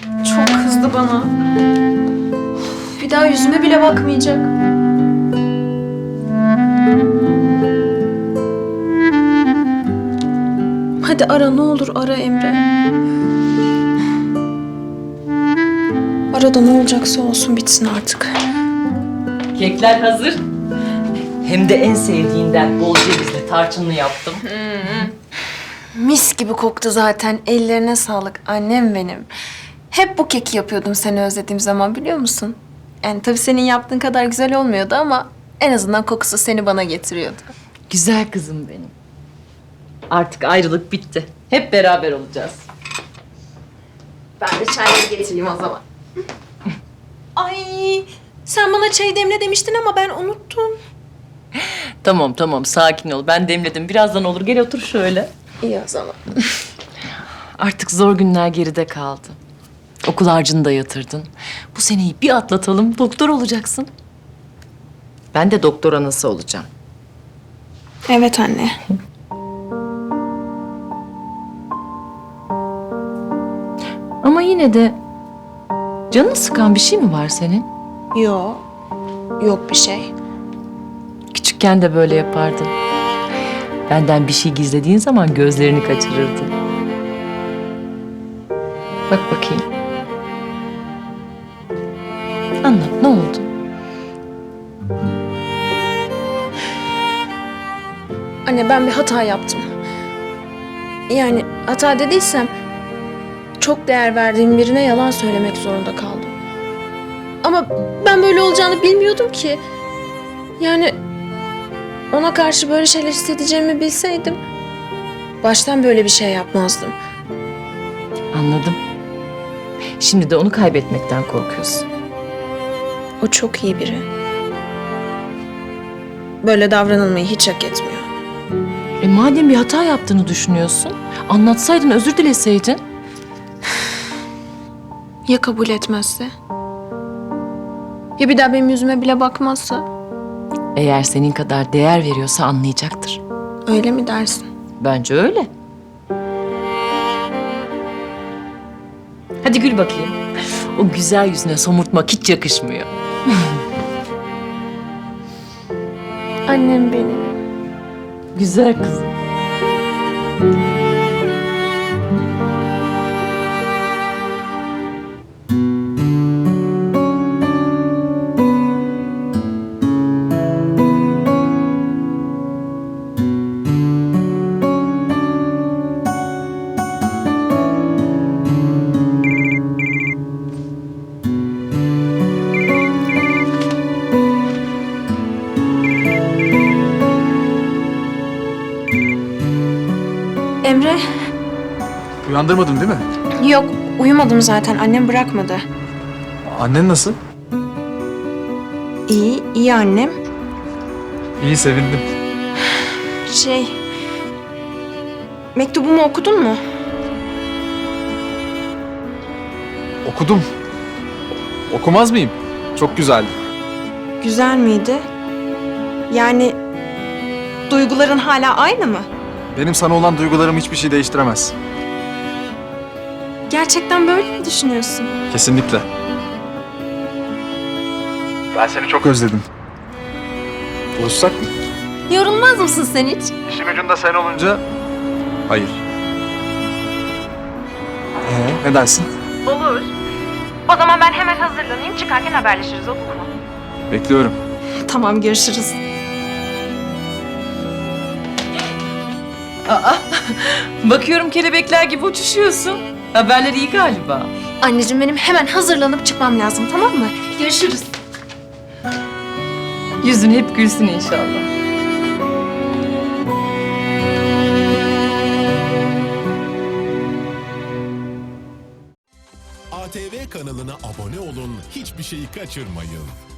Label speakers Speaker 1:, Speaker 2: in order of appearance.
Speaker 1: Çok kızdı bana. Bir daha yüzüme bile bakmayacak. Hadi ara, ne olur ara Emre. Ara da ne olacaksa olsun, bitsin artık.
Speaker 2: Kekler hazır. Hem de en sevdiğinden bol cevizli tarçınlı yaptım.
Speaker 1: Mis gibi koktu zaten. Ellerine sağlık annem benim. Hep bu keki yapıyordum seni özlediğim zaman, biliyor musun? Yani tabii senin yaptığın kadar güzel olmuyordu ama en azından kokusu seni bana getiriyordu.
Speaker 2: Güzel kızım benim. Artık ayrılık bitti. Hep beraber olacağız.
Speaker 1: Ben de çayları getireyim o zaman. Ay, sen bana çay demle demiştin ama ben unuttum.
Speaker 2: Tamam tamam sakin ol. Ben demledim. Birazdan olur. Gel otur şöyle.
Speaker 1: İyi o zaman.
Speaker 2: Artık zor günler geride kaldı. Okul harcını da yatırdın. Bu seneyi bir atlatalım. Doktor olacaksın. Ben de doktor anası olacağım.
Speaker 1: Evet anne.
Speaker 2: Ama yine de canını sıkan bir şey mi var senin?
Speaker 1: Yok. Yok bir şey.
Speaker 2: Küçükken de böyle yapardın. Benden bir şey gizlediğin zaman gözlerini kaçırırdın. Bak bakayım. Anlat, ne oldu?
Speaker 1: Anne, ben bir hata yaptım. Yani hata dediysem çok değer verdiğim birine yalan söylemek zorunda kaldım. Ama ben böyle olacağını bilmiyordum ki. Yani ona karşı böyle şeyler hissedeceğimi bilseydim baştan böyle bir şey yapmazdım.
Speaker 2: Anladım. Şimdi de onu kaybetmekten korkuyorsun.
Speaker 1: O çok iyi biri. Böyle davranılmayı hiç hak etmiyor.
Speaker 2: Madem bir hata yaptığını düşünüyorsun, anlatsaydın, özür dileseydin.
Speaker 1: Ya kabul etmezse? Ya bir daha benim yüzüme bile bakmazsa?
Speaker 2: Eğer senin kadar değer veriyorsa anlayacaktır.
Speaker 1: Öyle mi dersin?
Speaker 2: Bence öyle. Hadi gül bakayım. O güzel yüzüne somurtmak hiç yakışmıyor.
Speaker 1: Annem benim.
Speaker 2: Güzel kızım.
Speaker 1: Emre?
Speaker 3: Uyandırmadın değil mi?
Speaker 1: Yok, uyumadım zaten. Annem bırakmadı.
Speaker 3: Annen nasıl?
Speaker 1: İyi, iyi annem.
Speaker 3: İyi, sevindim.
Speaker 1: Mektubumu okudun mu?
Speaker 3: Okudum. Okumaz mıyım? Çok güzeldi.
Speaker 1: Güzel miydi? Yani duyguların hala aynı mı?
Speaker 3: Benim sana olan duygularım hiçbir şey değiştiremez.
Speaker 1: Gerçekten böyle mi düşünüyorsun?
Speaker 3: Kesinlikle. Ben seni çok özledim. Buluşsak mı?
Speaker 1: Yorulmaz mısın sen hiç?
Speaker 3: İşin ucunda sen olunca... Hayır. Ne dersin?
Speaker 4: Olur. O zaman ben hemen hazırlanayım. Çıkarken haberleşiriz, olur mu?
Speaker 3: Bekliyorum.
Speaker 1: Tamam, görüşürüz.
Speaker 2: Aa, bakıyorum kelebekler gibi uçuşuyorsun. Haberler iyi galiba.
Speaker 1: Anneciğim, benim hemen hazırlanıp çıkmam lazım, tamam mı? Görüşürüz.
Speaker 2: Yüzün hep gülsün inşallah.
Speaker 5: ATV kanalına abone olun, hiçbir şeyi kaçırmayın.